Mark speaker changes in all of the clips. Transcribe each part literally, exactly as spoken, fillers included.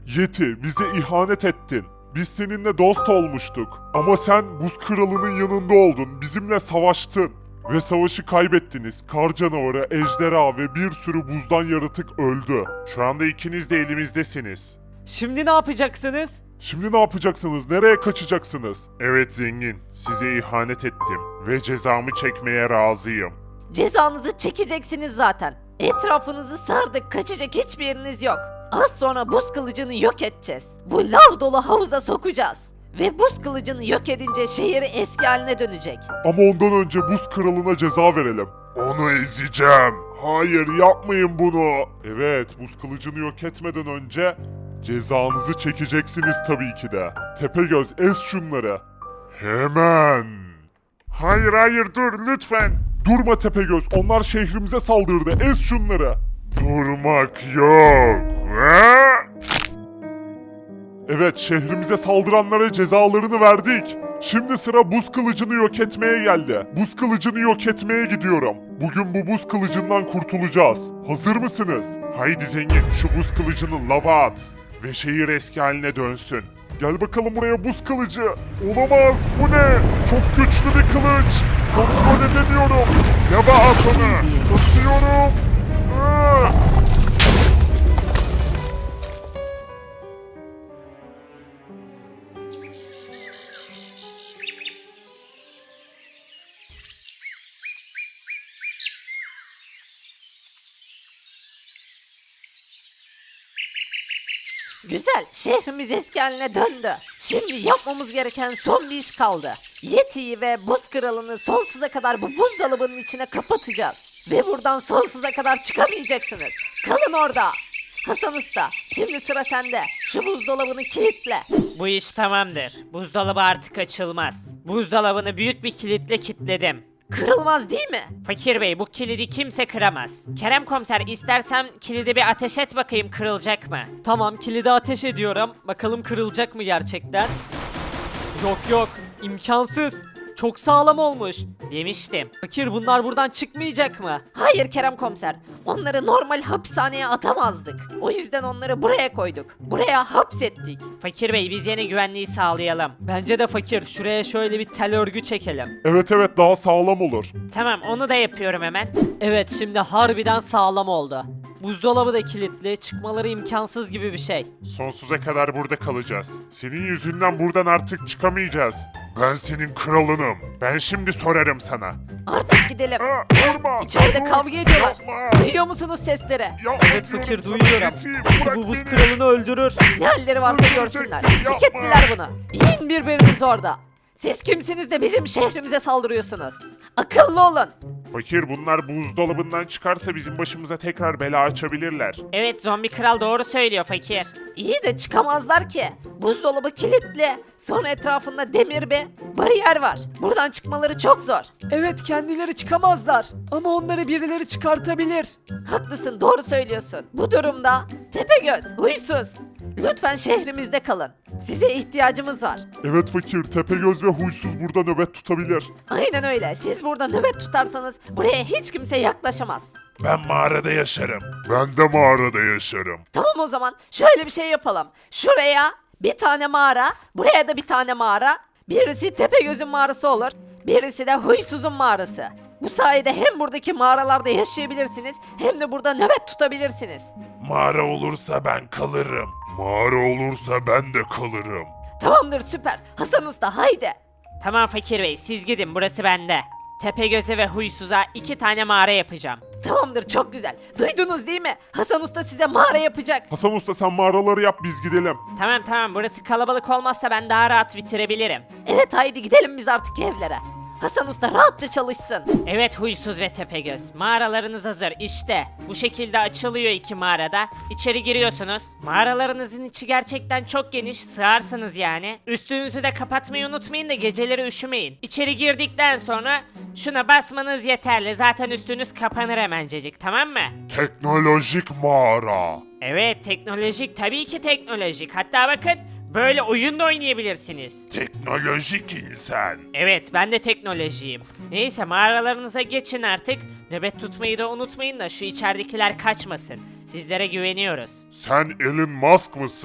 Speaker 1: Yeti, bize ihanet ettin. Biz seninle dost olmuştuk. Ama sen buz kralının yanında oldun. Bizimle savaştın. Ve savaşı kaybettiniz. Kar canavarı, ejderha ve bir sürü buzdan yaratık öldü. Şu anda ikiniz de elimizdesiniz.
Speaker 2: Şimdi ne yapacaksınız?
Speaker 1: Şimdi ne yapacaksınız? Nereye kaçacaksınız? Evet zengin, size ihanet ettim. Ve cezamı çekmeye razıyım.
Speaker 3: Cezanızı çekeceksiniz zaten. Etrafınızı sardık, kaçacak hiçbir yeriniz yok. Az sonra buz kılıcını yok edeceğiz. Bu lav dolu havuza sokacağız. Ve buz kılıcını yok edince şehir eski haline dönecek.
Speaker 1: Ama ondan önce buz kralına ceza verelim. Onu ezeceğim. Hayır yapmayın bunu. Evet buz kılıcını yok etmeden önce cezanızı çekeceksiniz tabii ki de. Tepegöz ez şunları. Hemen. Hayır hayır dur lütfen. Durma Tepegöz, onlar şehrimize saldırdı. Ez şunları. Durmak yok. Ha? Evet, şehrimize saldıranlara cezalarını verdik. Şimdi sıra buz kılıcını yok etmeye geldi. Buz kılıcını yok etmeye gidiyorum. Bugün bu buz kılıcından kurtulacağız. Hazır mısınız? Haydi zengin, şu buz kılıcını lava at. Ve şehir eski haline dönsün. Gel bakalım buraya buz kılıcı. Olamaz, bu ne? Çok güçlü bir kılıç. Kontrol edemiyorum. Lava at onu. Atıyorum. Ah!
Speaker 3: Güzel, şehrimiz eski haline döndü. Şimdi yapmamız gereken son bir iş kaldı. Yeti'yi ve buz kralını sonsuza kadar bu buzdolabının içine kapatacağız. Ve buradan sonsuza kadar çıkamayacaksınız. Kalın orada. Hasan Usta, şimdi sıra sende. Şu buzdolabını kilitle.
Speaker 2: Bu iş tamamdır. Buzdolabı artık açılmaz. Buzdolabını büyük bir kilitle kilitledim.
Speaker 3: Kırılmaz değil mi?
Speaker 2: Fakir bey bu kilidi kimse kıramaz. Kerem komiser istersen kilidi bir ateş et bakayım kırılacak mı?
Speaker 4: Tamam, kilidi ateş ediyorum. Bakalım kırılacak mı gerçekten? Yok yok, imkansız. Çok sağlam olmuş.
Speaker 2: Demiştim.
Speaker 4: Fakir, bunlar buradan çıkmayacak mı?
Speaker 3: Hayır Kerem Komiser. Onları normal hapishaneye atamazdık. O yüzden onları buraya koyduk. Buraya hapsettik.
Speaker 2: Fakir bey biz yine güvenliği sağlayalım.
Speaker 4: Bence de fakir, şuraya şöyle bir tel örgü çekelim.
Speaker 1: Evet evet daha sağlam olur.
Speaker 2: Tamam onu da yapıyorum hemen.
Speaker 4: Evet, şimdi harbiden sağlam oldu. Buzdolabı da kilitli, çıkmaları imkansız gibi bir şey.
Speaker 1: Sonsuza kadar burada kalacağız. Senin yüzünden buradan artık çıkamayacağız. Ben senin kralınım. Ben şimdi sorarım sana.
Speaker 3: Artık gidelim.
Speaker 1: Aa, vurma!
Speaker 3: İçeride
Speaker 1: Dur!
Speaker 3: kavga ediyorlar.
Speaker 1: Yapma!
Speaker 3: Duyuyor musunuz sesleri?
Speaker 1: Ya,
Speaker 4: Evet fakir,
Speaker 1: diyorum sana,
Speaker 4: duyuyorum.
Speaker 1: Yeti,
Speaker 4: Yeti
Speaker 1: bırak
Speaker 4: bu buz
Speaker 1: beni.
Speaker 4: kralını öldürür.
Speaker 3: Ne halleri varsa
Speaker 1: Öldüreceksin,
Speaker 3: görsünler.
Speaker 1: yapma.
Speaker 3: Hak ettiler bunu. Yiyin birbirinizi orada. Siz kimsiniz de bizim şehrimize saldırıyorsunuz? Akıllı olun.
Speaker 1: Fakir bunlar buzdolabından çıkarsa bizim başımıza tekrar bela açabilirler.
Speaker 2: Evet zombi kral doğru söylüyor fakir.
Speaker 3: İyi de çıkamazlar ki. Buzdolabı kilitli. Sonra etrafında demir bir bariyer var. Buradan çıkmaları çok zor.
Speaker 4: Evet, kendileri çıkamazlar. Ama onları birileri çıkartabilir.
Speaker 3: Haklısın, doğru söylüyorsun. Bu durumda Tepegöz, huysuz. Lütfen şehrimizde kalın. Size ihtiyacımız var.
Speaker 1: Evet fakir, Tepegöz ve Huysuz burada nöbet tutabilir.
Speaker 3: Aynen öyle. Siz burada nöbet tutarsanız buraya hiç kimse yaklaşamaz.
Speaker 1: Ben mağarada yaşarım. Ben de mağarada yaşarım.
Speaker 3: Tamam o zaman şöyle bir şey yapalım. Şuraya bir tane mağara, buraya da bir tane mağara. Birisi Tepegöz'ün mağarası olur, birisi de Huysuz'un mağarası. Bu sayede hem buradaki mağaralarda yaşayabilirsiniz hem de burada nöbet tutabilirsiniz.
Speaker 1: Mağara olursa ben kalırım. Mağara olursa ben de kalırım.
Speaker 3: Tamamdır, süper. Hasan Usta haydi.
Speaker 2: Tamam fakir bey siz gidin burası bende. Tepegöz'e ve Huysuz'a iki tane mağara yapacağım.
Speaker 3: Tamamdır, çok güzel. Duydunuz değil mi? Hasan Usta size mağara yapacak.
Speaker 1: Hasan Usta sen mağaraları yap biz gidelim.
Speaker 2: Tamam tamam burası kalabalık olmazsa ben daha rahat bitirebilirim.
Speaker 3: Evet haydi gidelim biz artık evlere. Hasan Usta rahatça çalışsın.
Speaker 2: Evet Huysuz ve Tepegöz mağaralarınız hazır işte. Bu şekilde açılıyor iki mağarada. İçeri giriyorsunuz. Mağaralarınızın içi gerçekten çok geniş, sığarsınız yani. Üstünüzü de kapatmayı unutmayın da geceleri üşümeyin. İçeri girdikten sonra şuna basmanız yeterli. Zaten üstünüz kapanır hemencecik, tamam mı?
Speaker 1: Teknolojik mağara.
Speaker 2: Evet teknolojik, tabii ki teknolojik. Hatta bakın böyle oyun da oynayabilirsiniz.
Speaker 1: Teknolojik insan.
Speaker 2: Evet ben de teknolojiyim. Neyse mağaralarınıza geçin artık. Nöbet tutmayı da unutmayın da şu içeridekiler kaçmasın. Sizlere güveniyoruz.
Speaker 1: Sen Elon Musk mısın?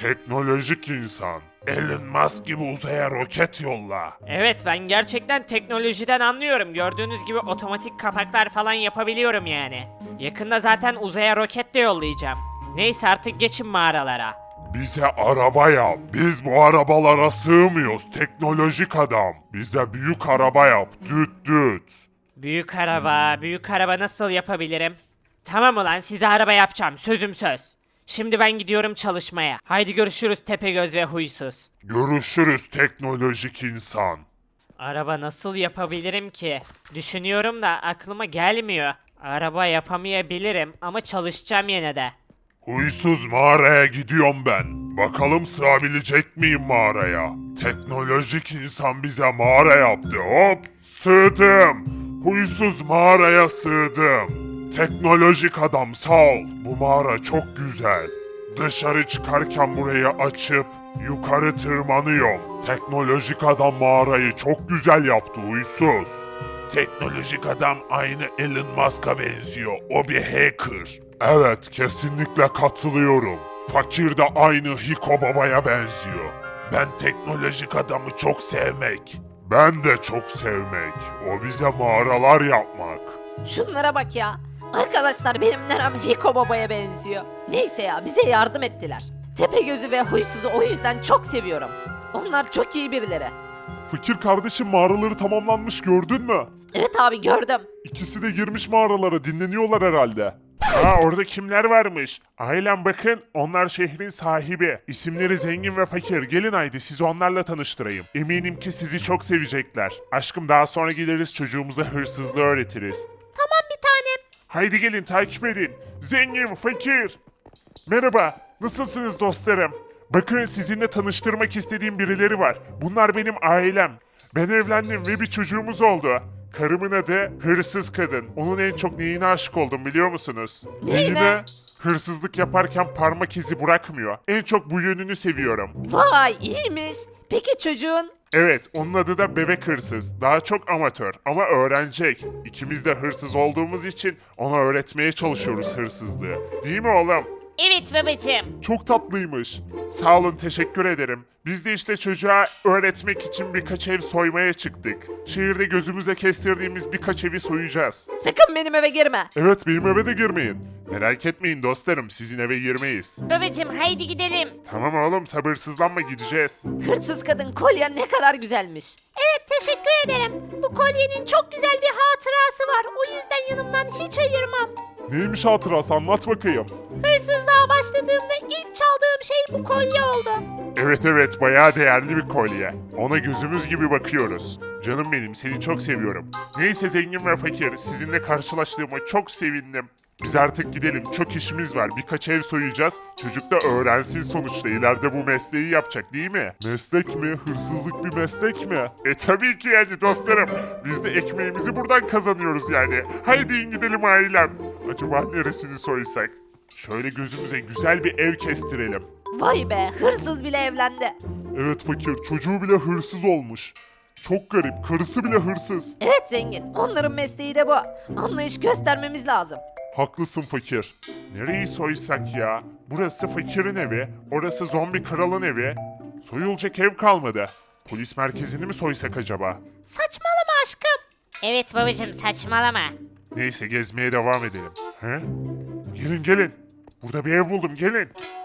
Speaker 1: Teknolojik insan. Elon Musk gibi uzaya roket yolla.
Speaker 2: Evet ben gerçekten teknolojiden anlıyorum. Gördüğünüz gibi otomatik kapaklar falan yapabiliyorum yani. Yakında zaten uzaya roket de yollayacağım. Neyse artık geçin mağaralara.
Speaker 1: Bize araba yap. Biz bu arabalara sığmıyoruz. Teknolojik adam. Bize büyük araba yap. Düt düt.
Speaker 2: Büyük araba, büyük araba nasıl yapabilirim? Tamam ulan size araba yapacağım sözüm söz. Şimdi ben gidiyorum çalışmaya. Haydi görüşürüz Tepegöz ve Huysuz.
Speaker 1: Görüşürüz teknolojik insan.
Speaker 2: Araba nasıl yapabilirim ki? Düşünüyorum da aklıma gelmiyor. Araba yapamayabilirim ama çalışacağım yine de.
Speaker 1: Huysuz mağaraya gidiyorum ben. Bakalım sığabilecek miyim mağaraya? Teknolojik insan bize mağara yaptı. Hop sığdım. Huysuz mağaraya sığdım. Teknolojik adam sağ ol. Bu mağara çok güzel. Dışarı çıkarken burayı açıp yukarı tırmanıyorum. Teknolojik adam mağarayı çok güzel yaptı huysuz. Teknolojik adam aynı Elon Musk'a benziyor. O bir hacker. Evet, kesinlikle katılıyorum. Fakir de aynı Hiko Baba'ya benziyor. Ben teknolojik adamı çok sevmek. Ben de çok sevmek. O bize mağaralar yapmak.
Speaker 3: Şunlara bak ya. Arkadaşlar benim nerem Hiko Baba'ya benziyor. Neyse ya bize yardım ettiler. Tepegöz'ü ve Huysuz'u o yüzden çok seviyorum. Onlar çok iyi birileri.
Speaker 1: Fakir kardeşim mağaraları tamamlanmış gördün mü?
Speaker 3: Evet abi gördüm.
Speaker 1: İkisi de girmiş mağaralara dinleniyorlar herhalde. Aa orada kimler varmış? Ailem bakın onlar şehrin sahibi. İsimleri zengin ve fakir. Gelin haydi sizi onlarla tanıştırayım. Eminim ki sizi çok sevecekler. Aşkım daha sonra gideriz çocuğumuza hırsızlığı öğretiriz.
Speaker 3: Tamam bir tanem.
Speaker 1: Haydi gelin takip edin. Zengin, fakir. Merhaba, nasılsınız dostlarım? Bakın sizinle tanıştırmak istediğim birileri var. Bunlar benim ailem. Ben evlendim ve bir çocuğumuz oldu. Karımın adı Hırsız Kadın. Onun en çok neyine aşık oldum biliyor musunuz?
Speaker 3: Neyine?
Speaker 1: Hırsızlık yaparken parmak izi bırakmıyor. En çok bu yönünü seviyorum.
Speaker 3: Vay iyiymiş. Peki çocuğun?
Speaker 1: Evet, onun adı da Bebek Hırsız. Daha çok amatör ama öğrenecek. İkimiz de hırsız olduğumuz için ona öğretmeye çalışıyoruz hırsızlığı. Değil mi oğlum?
Speaker 2: Evet babacığım.
Speaker 1: Çok tatlıymış. Sağ olun, teşekkür ederim. Biz de işte çocuğa öğretmek için birkaç ev soymaya çıktık. Şehirde gözümüze kestirdiğimiz birkaç evi soyacağız.
Speaker 3: Sakın benim eve girme.
Speaker 1: Evet, benim eve de girmeyin. Merak etmeyin dostlarım, sizin eve girmeyiz.
Speaker 2: Babacığım haydi gidelim.
Speaker 1: Tamam oğlum, sabırsızlanma gideceğiz.
Speaker 3: Hırsız kadın kolyen ne kadar güzelmiş. Evet teşekkür ederim. Bu kolyenin çok güzel bir hatırası var. O yüzden yanımdan hiç ayırmam.
Speaker 1: Neymiş hatırası, anlat bakayım.
Speaker 3: Hırsızlığa başladığımda ilk çaldığım şey bu kolye oldu.
Speaker 1: Evet evet, bayağı değerli bir kolye. Ona gözümüz gibi bakıyoruz. Canım benim, seni çok seviyorum. Neyse zengin ve fakir, sizinle karşılaştığıma çok sevindim. Biz artık gidelim, çok işimiz var. Birkaç ev soyacağız. Çocuk da öğrensin sonuçta. İleride bu mesleği yapacak değil mi? Meslek mi? Hırsızlık bir meslek mi? E tabii ki yani dostlarım. Biz de ekmeğimizi buradan kazanıyoruz yani. Haydi in gidelim ailem. Acaba neresini soysak? Şöyle gözümüze güzel bir ev kestirelim.
Speaker 3: Vay be hırsız bile evlendi.
Speaker 1: Evet fakir, çocuğu bile hırsız olmuş. Çok garip, karısı bile hırsız.
Speaker 3: Evet zengin onların mesleği de bu. Anlayış göstermemiz lazım.
Speaker 1: Haklısın fakir. Nereyi soysak ya? Burası fakirin evi, orası zombi kralın evi. Soyulacak ev kalmadı. Polis merkezini mi soysak acaba?
Speaker 3: Saçmalama aşkım.
Speaker 2: Evet babacığım saçmalama.
Speaker 1: Neyse gezmeye devam edelim. He? Gelin gelin. Burada bir ev buldum gelin.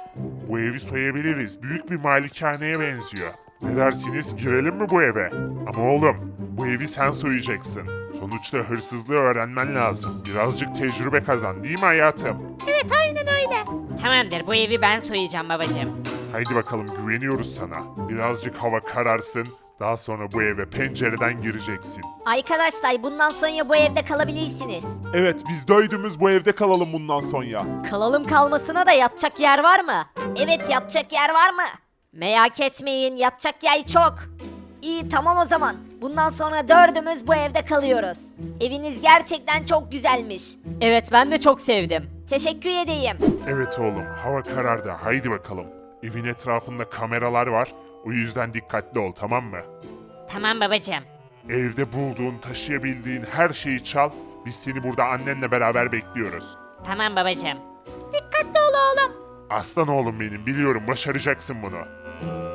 Speaker 1: Bu evi soyabiliriz. Büyük bir malikaneye benziyor. Ne dersiniz? Girelim mi bu eve? Ama oğlum, bu evi sen soyacaksın. Sonuçta hırsızlığı öğrenmen lazım. Birazcık tecrübe kazan, değil mi hayatım?
Speaker 3: Evet aynen öyle.
Speaker 2: Tamamdır bu evi ben soyacağım babacığım.
Speaker 1: Haydi bakalım, güveniyoruz sana. Birazcık hava kararsın. Daha sonra bu eve pencereden gireceksin.
Speaker 3: Arkadaşlar bundan sonra bu evde kalabilirsiniz.
Speaker 1: Evet, biz döydüğümüz bu evde kalalım bundan sonra.
Speaker 3: Kalalım kalmasına da yatacak yer var mı? Evet yatacak yer var mı? Merak etmeyin yatacak yer çok. İyi tamam o zaman. Bundan sonra dördümüz bu evde kalıyoruz. Eviniz gerçekten çok güzelmiş. Evet ben de çok sevdim. Teşekkür edeyim.
Speaker 1: Evet oğlum, hava karardı. Haydi bakalım. Evin etrafında kameralar var. O yüzden dikkatli ol, tamam mı?
Speaker 2: Tamam babacığım.
Speaker 1: Evde bulduğun, taşıyabildiğin her şeyi çal. Biz seni burada annenle beraber bekliyoruz.
Speaker 2: Tamam babacığım.
Speaker 3: Dikkatli ol oğlum.
Speaker 1: Aslan oğlum benim, biliyorum başaracaksın bunu.